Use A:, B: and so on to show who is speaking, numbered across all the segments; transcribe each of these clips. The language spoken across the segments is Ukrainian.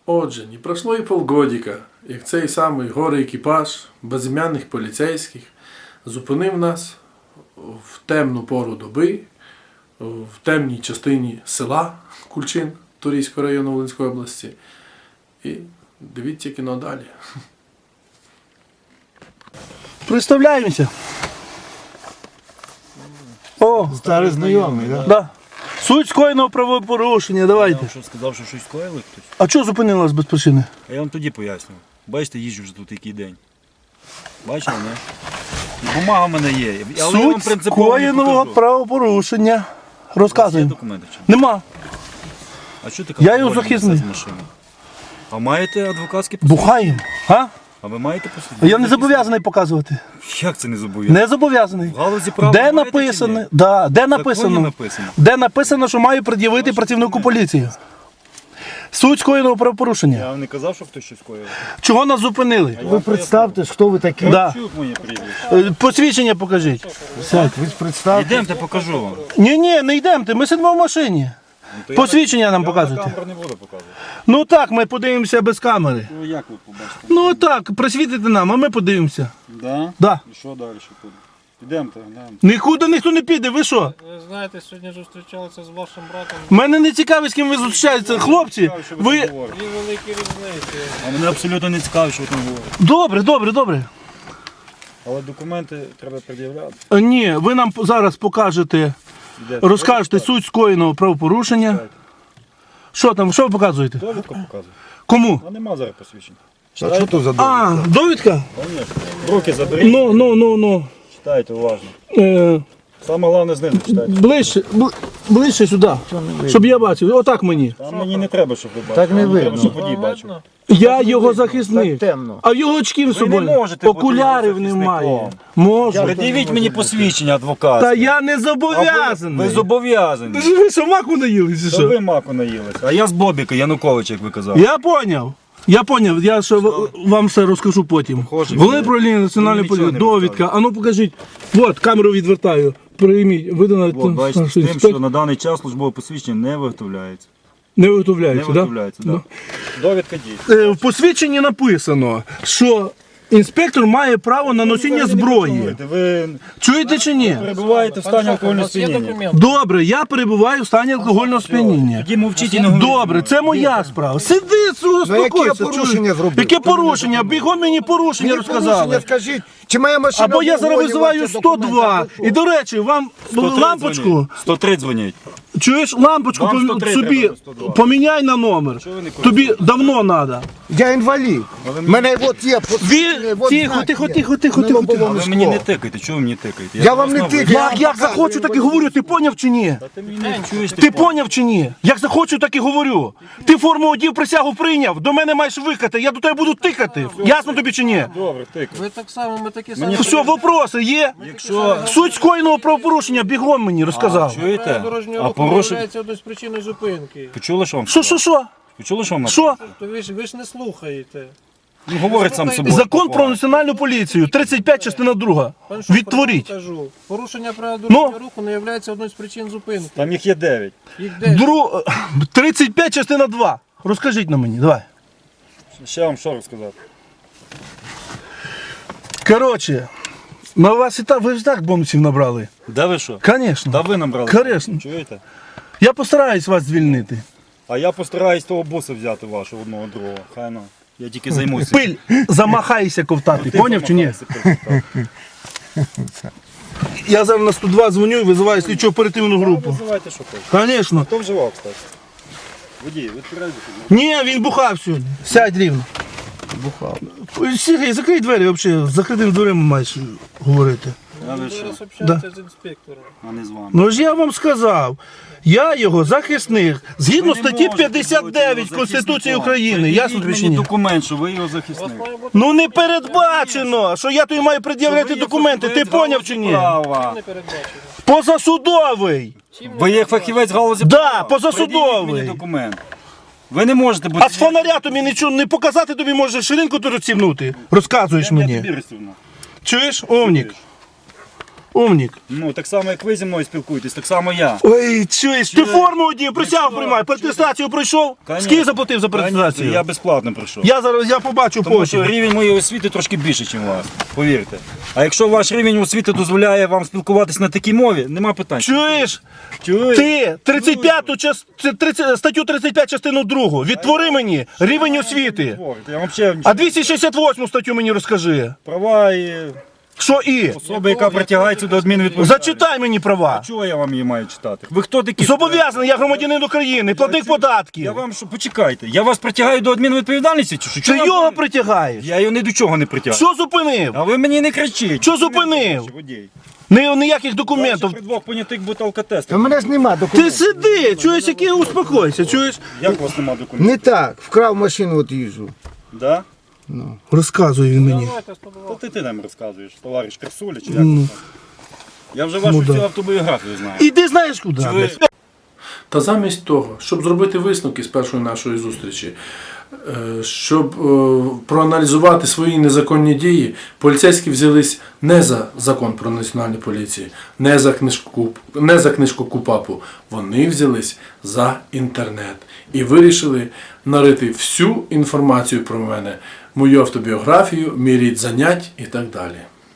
A: Отже, не пройшло і полгодика, як цей самий горе-екіпаж безім'яних поліцейських зупинив нас в темну пору доби, в темній частині села Кульчин Турійського району Волинської області. І дивіться кіно далі.
B: Представляємося. О,
C: Старий знайомий, так?
B: да. Суть скоєного правопорушення,
D: Я
B: давайте.
D: вам що сказав, що щось скоїли хтось?
B: А чого зупинили вас без причини?
D: А я вам тоді пояснював. Бачите, їжджу вже тут який день. Бачили, не? І бумага в мене є. Але я вам
B: Суть
D: принципово не
B: скоєного
D: покажу.
B: правопорушення.
D: У вас є
B: Розказуємо.
D: документи чи ні?
B: Нема.
D: А що ти
B: Я його
D: алкоголь
B: захисний.
D: несе з машини? А маєте адвокатське посвідчення?
B: Бухаємо. А?
D: А ви маєте посвідчення?
B: Я не зобов'язаний показувати.
D: Як це не зобов'язаний?
B: Не зобов'язаний.
D: В галузі права
B: Де
D: маєте чи
B: написано?
D: ні?
B: Да, де
D: В законі
B: написано?
D: написано.
B: Де написано, що маю пред'явити працівнику поліції. Суть скоєного правопорушення.
D: Я вам не казав, що хтось щось скоїв.
B: Чого нас зупинили?
C: Ви представтесь, хто ви такі.
B: Да.
D: Чують моє прізвище.
B: Посвідчення покажіть.
C: Сядь, ви представтесь.
D: Йдемте, покажу вам.
B: Ні, не йдемте, ми сидимо в машині.
D: То
B: Посвідчення нам
D: я
B: показуйте.
D: на камеру не буду показувати.
B: Ну так, ми подивимося без камери.
D: Ну як ви побачите?
B: Ну так, присвітите нам, а ми подивимося.
D: Да?
B: Да.
D: І що далі буде? Йдемте, глянемо.
B: Нікуди ніхто не піде, ви що?
E: Ви знаєте, сьогодні зустрічалися з вашим братом.
B: Мене не цікавить, з ким ви зустрічаєтеся. Хлопці, ви...
E: Дві великі різниці.
D: А мене абсолютно не цікаво, що ви там говорите.
B: Добре.
D: Але документи треба пред'являти.
B: Ні, ви нам зараз покажете,
D: Йдете.
B: розкажете суть скоєного правопорушення. Що там, що ви показуєте?
D: Довідку показує.
B: Кому?
D: А нема зараз посвідчень.
C: А що тут за
B: А, довідка?
D: Конечно. Руки заберіть,
B: Ну.
D: читайте уважно.
B: Е,
D: Саме головне знизу читайте.
B: ближче сюди, щоб я бачив. Отак мені.
D: Там мені не треба, щоб ви бачили.
C: Так не
D: Мені треба,
C: видно.
D: щоб водій бачив.
B: Я його захисник.
C: Так темно.
B: А в його очків з
D: Ви не
B: собою.
D: можете бути
B: Окулярів
D: його
B: немає.
D: захисником.
B: Можу.
D: Пред'явіть мені посвідчення адвоката.
B: Та я не
D: Ви
B: зобов'язаний.
D: зобов'язані.
B: Ви що, маку наїлися?
D: То ви маку наїлися. А я з Бобіка, Януковича, як ви казали.
B: Я поняв, я ще вам все розкажу потім.
D: Похоже,
B: Головне
D: ви-
B: управління національної
D: ви нічого
B: поліції,
D: не
B: довідка. А ну покажіть. От, камеру відвертаю. Прийміть. Видано
D: От, бачите, з тим, що на даний час службове посвідчення не виготовляється.
B: Не
D: Не
B: виготовляється, так?
D: виготовляється, так. Довідка дій.
B: В посвідченні написано, що інспектор має право на носіння зброї.
D: Ви
B: Чуєте чи ні?
D: перебуваєте в стані
E: У
D: алкогольного
E: вас є
D: сп'яніння.
E: документи?
B: Добре, я перебуваю в стані алкогольного сп'яніння.
D: Тоді мовчіть і не говоріть.
B: Добре, це моя справа. Сиди, успокойся.
C: яке порушення
B: чуєш?
C: зробив?
B: Яке порушення? Бігом мені порушення розказали.
C: Скажіть, чи моя машина...
B: Або я зараз
C: в вогоні,
B: визиваю
C: ваші документи,
B: 102.
C: або що?
B: І, до речі, вам
D: 103
B: лампочку,
D: дзвонять. 103 дзвонять.
B: чуєш, лампочку
D: Вам 103
B: собі
D: треба, 102.
B: поміняй на номер.
D: ви не
B: Тобі давно треба.
C: Я інвалід. У мене от є посвідчення, от
B: Тихо,
C: знак
B: тихо,
C: є.
B: тихо, тихо,
C: На
B: тихо.
C: лобовому
D: Ви мені не
C: скло.
D: тикайте, чого ви мені тикаєте?
C: Я вам не
D: вас на
C: тикаю.
D: ви-
B: Як захочу, так і говорю, ти поняв чи ні?
D: Ти мені не чуєш,
B: Ти поняв чи ні? Як захочу, так і говорю. Ти форму одів, присягу прийняв, до мене маєш викати, я до тебе буду тикати. Ясно тобі чи ні?
D: Добре, тикай.
E: Ви так само, ми такі самі.
B: Все, вопроси є?
D: Якщо...
B: Суть скоєного правопорушення бігом мені розказав.
D: Чуєте?
E: Дорожнього
D: А
E: руху
D: порушив...
E: є одною з причин зупинки.
D: Почули, що вам
B: Що?
D: Почули, що вам
B: Що?
E: То ви ж не слухаєте.
D: Ну, говорить сам собою.
B: Закон про національну поліцію, 35 частина 2.
E: Пан Шуфер,
B: Відтворіть.
E: я вам кажу, порушення правил дорожнього
B: Ну?
E: руху не є одною з причин зупинки.
D: Там їх є 9.
E: Їх 9.
B: 35 частина 2. Розкажіть на мені, давай.
D: Ще вам що розказати?
B: Коротше, на вас і так, ви ж так бонусів набрали.
D: Де ви що?
B: Конечно.
D: Та ви набрали.
B: Конечно.
D: Чуєте?
B: Я постараюсь вас звільнити.
D: А я постараюсь того боса взяти вашого одного другого. Хай ну. Я тільки займуся.
B: Пиль, замахайся ковтати,
D: Ти
B: поняв чи ні?
D: замахайся, пиль, так.
B: Я зараз на 102 дзвоню і визиваю слідчо оперативну групу.
D: Визивайте, що хочете.
B: Звісно.
D: Хто вживав, кстати? Водій, відкривайте.
B: Ні, він бухав сьогодні. Сядь рівно. Бухав. Сергій, закрий двері взагалі, з закритими дверима маєш говорити.
D: А ви
E: Ви
D: що?
E: зараз общаєтеся з інспектором.
D: А не з вами.
B: Ну ж я вам сказав, я його захисник, згідно
D: Ви не
B: статті
D: можете
B: 59
D: бути його
B: Конституції
D: захисником.
B: України. Ясно тобі
D: Пред'явіть
B: чи ні?
D: мені документ, що ви його
E: У вас
D: захисник.
E: має бути
B: Ну не передбачено, що я тобі маю пред'являти
D: Ви є
B: документи. Ти
D: фахівець
B: поняв чи ні?
D: права.
E: не передбачено.
B: Позасудовий.
D: Ви є фахівець галузі
B: Да,
D: права.
B: позасудовий.
D: Пред'явіть мені документ. Ви не можете бути...
B: А з фонаря тобі нічого не показати, тобі може ширинку тут розсівнути. Розказуєш
D: Я
B: мені.
D: тобі розсівну.
B: Чуєш, умнік? Умнік.
D: Ну, так само, як ви зі мною спілкуєтесь, так само я.
B: Ой, чуєш, ти форму одів, присягу приймай, перетестацію пройшов?
D: Конечно.
B: Скільки заплатив за
D: Конечно,
B: перетестацію?
D: я безплатно прийшов.
B: Я зараз я побачу
D: Тому що
B: потім.
D: рівень моєї освіти трошки більше, ніж у вас, повірте. А якщо ваш рівень освіти дозволяє вам спілкуватись на такій мові, нема питань.
B: Чуєш?
D: Чуєш?
B: Ти 35-ту статтю 35 частину 2. Відтвори мені рівень освіти.
D: Я вам ще
B: А 268 статтю мені розкажи.
D: права і
B: Що і?
D: особи, яка притягається до адмінвідповідальності.
B: Зачитай мені права.
D: Чого я вам її маю читати? Ви хто такі?
B: Зобов'язаний, я громадянин України, платник
D: Я
B: податків.
D: вам що, почекайте, я вас притягаю до адмінвідповідальності чи що?
B: Ти
D: Чого
B: його
D: вам-
B: притягаєш?
D: Я його ні до чого не притягаю.
B: Що зупинив?
D: А ви мені не кричіть.
B: Що зупинив?
D: Водій.
B: Ніяких документів.
D: При двох понятих буде алкотест.
C: У мене ж нема
B: Ти
C: документів.
B: сиди, чуєш, який успокойся, чуєш?
D: Як у вас нема документів?
C: Не так, вкрав машину, от їжджу.
D: Да?
B: Розказує він мені.
E: Давайте 102.
D: То ти нам розказуєш, товариш Красуля, чи як там? Я вже вашу всю автобіографію знаю.
B: Іди знаєш куди.
D: Ви-
A: Та замість того, щоб зробити висновки з першої нашої зустрічі, щоб проаналізувати свої незаконні дії, поліцейські взялись не за закон про національну поліцію, не за книжку КУПАПу. Вони взялись за інтернет і вирішили нарити всю інформацію про мене, мою автобіографію, мій рід занять і так далі.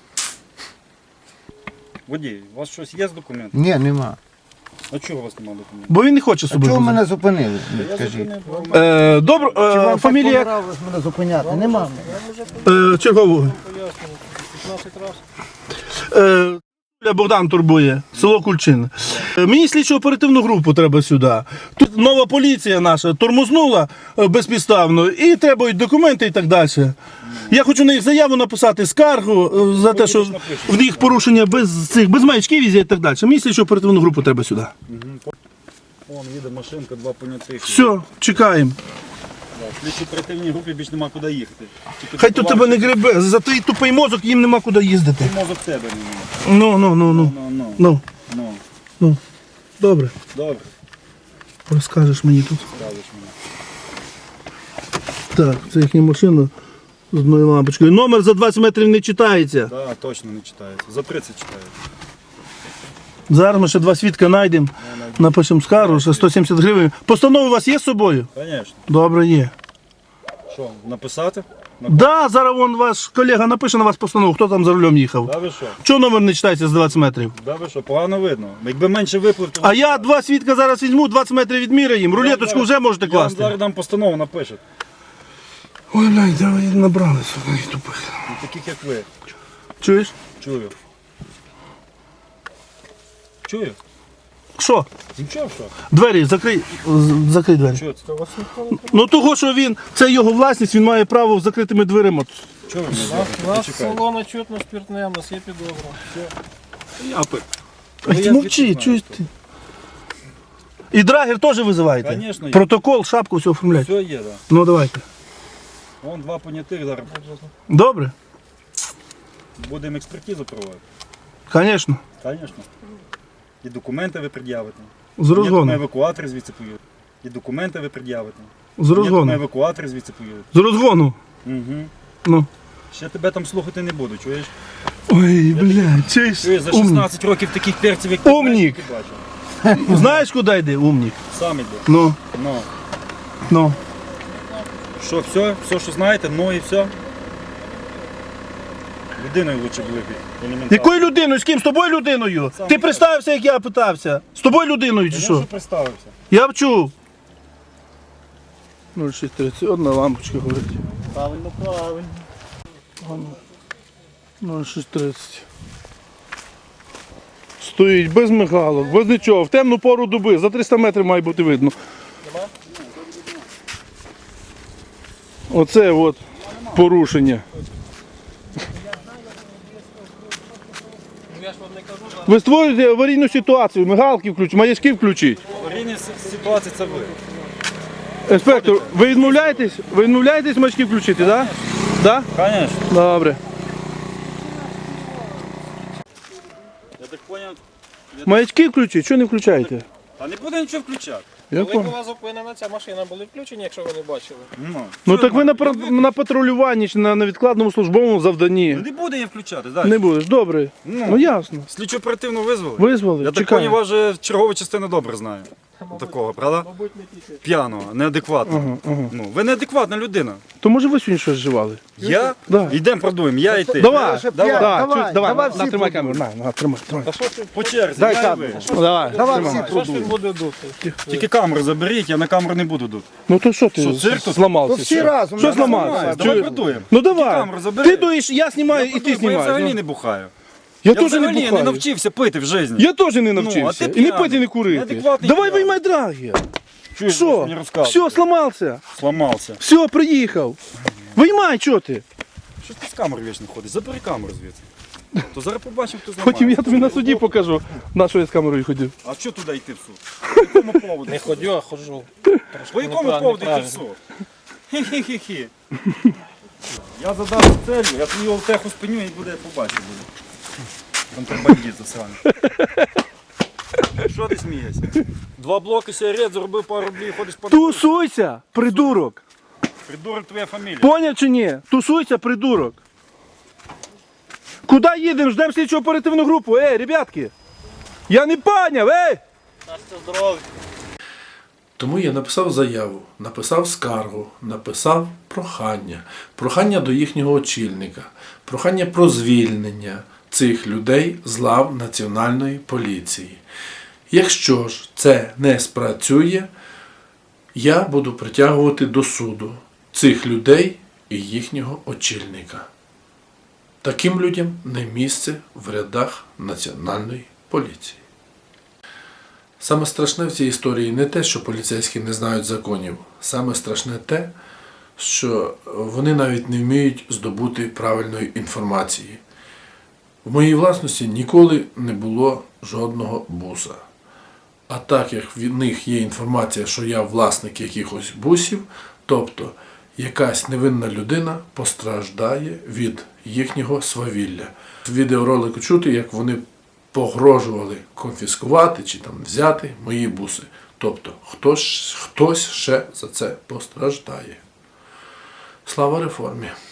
D: Водій, у вас щось є з документом?
C: Ні, нема.
D: А чого у вас немає документів?
B: Бо він не хоче
C: А
B: собі.
C: чого
B: возити.
C: мене зупинили?
D: Я
C: Скажіть.
D: зупинив.
B: Добре,
C: Вам
B: фамілія
C: так понравилось мене зупиняти? Нема.
B: чергового.
E: Пояснюю. 15 разів.
B: Богдан турбує, село Кульчин. Мені слідчо оперативну групу треба сюди. Тут нова поліція наша тормознула безпідставно і требують документи і так далі. Я хочу на їх заяву написати, скаргу за те, що в них порушення без маячків і так далі. Мені слідчо оперативну групу треба сюди.
D: Вон їде машинка, два понятих.
B: Все, чекаємо.
D: В слідчій оперативній групі більш нема куди їхати. Тільки
B: Хай тут тебе не гребе, за твій тупий мозок їм нема куди їздити.
D: мозок тебе немає.
B: Ну.
D: Ну.
B: Ну. Добре,
D: Добре,
B: розкажеш мені тут.
D: скажеш мені.
B: Так, це їхня машина з одною лампочкою. Номер за 20 метрів не читається.
D: Так, точно не читається. За 30 читається.
B: Зараз ми ще два свідка знайдемо, напишемо скаргу, ще 170 гривень. Постанови у вас є з собою?
D: Звісно.
B: Добре, є.
D: Що, написати?
B: Да, зараз вон ваш колега напише на вас постанову, хто там за рулем їхав.
D: Да ви що?
B: Чого номер не читається з 20 метрів?
D: Да ви що, погано видно. Якби менше виплив, то...
B: А я два свідка зараз візьму, 20 метрів відміряємо, рулеточку вже можете
D: Я вам
B: класти.
D: зараз дам постанову, напишете.
B: Ой, блядь, давай набралися, тупих.
D: Ну, таких як ви.
B: Чуєш?
D: Чую. Чую?
B: Що?
D: Нічого, що?
B: Двері, закрий двері.
D: Чого це?
B: Ну того, що це його власність, він має право з закритими дверима.
D: Чого ви не
E: У нас
D: знаєте?
E: салона чутно спиртне, у нас є підозра.
B: Ай, ти мовчи, чуєш ти? І драгер теж визиваєте?
D: Конечно, є.
B: Протокол, шапку, все оформляйте.
D: Все є, так. Да.
B: Ну давайте.
D: Вон два понятих зараз.
B: Добре?
D: Будемо експертизу проводити.
B: Звісно.
D: Звісно. І документи ви пред'явите.
B: З
D: Є на
B: розгону.
D: евакуатор звідси поїдуть. І документи ви пред'явите.
B: З
D: Є на
B: розгону.
D: евакуатор звідси поїдуть.
B: З розгону.
D: Угу.
B: Ну.
D: Ще тебе там слухати не буду, чуєш?
B: Ой, блядь, чуєш?
D: Чуєш, за
B: Умник.
D: 16 років таких перців, як
B: Умник.
D: ти бачив.
B: Знаєш, куди йде, умник?
D: Сам іде.
B: Ну,
D: Ну.
B: ну.
D: Що, все? Все, що знаєте, ну і все. Людиною лучше були б. елементарно.
B: Якою людиною? З ким? З тобою людиною?
D: Сам
B: Ти
D: я.
B: представився, як я питався. З тобою людиною чи
D: Я
B: що?
D: вже представився.
B: Я б чув. 0631 лампочка горить.
D: Правильно, правильно.
B: 0630. Стоїть без мигалок, без нічого, в темну пору доби, за 300 метрів має бути видно. Оце от порушення.
E: Я ж вам не кажу,
B: Ви створюєте аварійну ситуацію, мигалки включіть, маячки включіть.
D: Аварійна ситуація це ви.
B: Інспектор, ви відмовляєтесь маячки включити, так? Да?
D: Звісно.
B: Добре.
D: Я так зрозумів.
B: Маячки включіть, що не включаєте?
D: Та не буде нічого включати.
B: Я
E: Коли
B: понял.
E: була зупинена ця машина, були включені, якщо ви не бачили.
B: Ну так ви на патрулюванні чи на невідкладному службовому завданні.
D: Не буде їм включати, далі.
B: Не будеш, добре. Ну ясно.
D: Слідчу оперативно визвали.
B: Визвали,
D: Я так
B: чекаю.
D: поняв, вас вже чергова частина добре знає. Такого, правда?
E: Мабуть, не тільки.
D: П'яного, неадекватного. Ну, ви неадекватна людина.
B: То може ви сьогодні щось вживали?
D: Я?
B: Да.
D: Йдемо продуємо, я і ти.
B: Давай,
C: давай,
B: давай,
C: давай всі
B: на, тримай
C: продуємо.
B: камеру, на, тримай.
E: Та що ж
D: По черзі,
B: Дай
D: я і
B: камеру.
D: ви.
B: Давай,
C: Давай
B: тримай.
C: всі
E: що ж він
C: продуємо.
E: буде дути?
D: Тільки камеру заберіть, я на камеру не буду дути.
B: Ну то що ти
D: Що, цирк тут?
C: То
B: зламався?
C: всі
B: що?
C: разом.
B: Що
C: я
B: зламався?
C: знаю.
D: Давай
B: Чую.
D: продуємо.
B: Ну давай.
D: камеру забери.
B: Ти дуєш, я знімаю і ти
D: Я
B: знімаєш.
D: взагалі
B: ну.
D: не бухаю.
B: Я
D: Я
B: теж не
D: взагалі не
B: бухаю.
D: навчився пити в житті.
B: Я теж не
D: а
B: навчився.
D: ти
B: І не
D: п'яний.
B: пити, не курити.
D: Неадекватний
B: Давай
D: п'яний.
B: виймай драги.
D: Чуєш,
B: Що?
D: мені розказуєш?
B: Все, сломався.
D: Сломався.
B: Все, приїхав. Виймай, що ти?
D: Що ти з камерою вічно ходиш? Забери камеру звідси. То зараз побачимо, хто зламає.
B: Потім я тобі на суді покажу, на що я з камерою ходив.
D: А що туди йти в суд? По якому поводу?
E: Не
D: в суд?
E: ходю, а ходжу.
D: По якому
E: Неправильно,
D: поводу йти в
E: неправильно.
D: суд? Хі-хі-хі. Я задав целью, я твою олтеху спиню і буде побачити буде. Контрабандіст засраний. Що ти смієшся? 2 блоки сигарет, заробив пару рублів, ходиш по...
B: Тусуйся, придурок.
D: Придурок твоя фамілія.
B: Поняв чи ні? Тусуйся, придурок. Куди їдемо? Ждемо слідчу оперативну групу. Ей, ребятки. Я не поняв, ей!
A: Тому я написав заяву, написав скаргу, написав прохання. Прохання до їхнього очільника, прохання про звільнення цих людей з лав Національної поліції. Якщо ж це не спрацює, я буду притягувати до суду цих людей і їхнього очільника. Таким людям не місце в рядах Національної поліції. Саме страшне в цій історії не те, що поліцейські не знають законів. Саме страшне те, що вони навіть не вміють здобути правильної інформації. В моїй власності ніколи не було жодного буса. А так як від них є інформація, що я власник якихось бусів, тобто якась невинна людина постраждає від їхнього свавілля. В відеоролику чути, як вони погрожували конфіскувати чи там взяти мої буси. Тобто хтось ще за це постраждає. Слава реформі!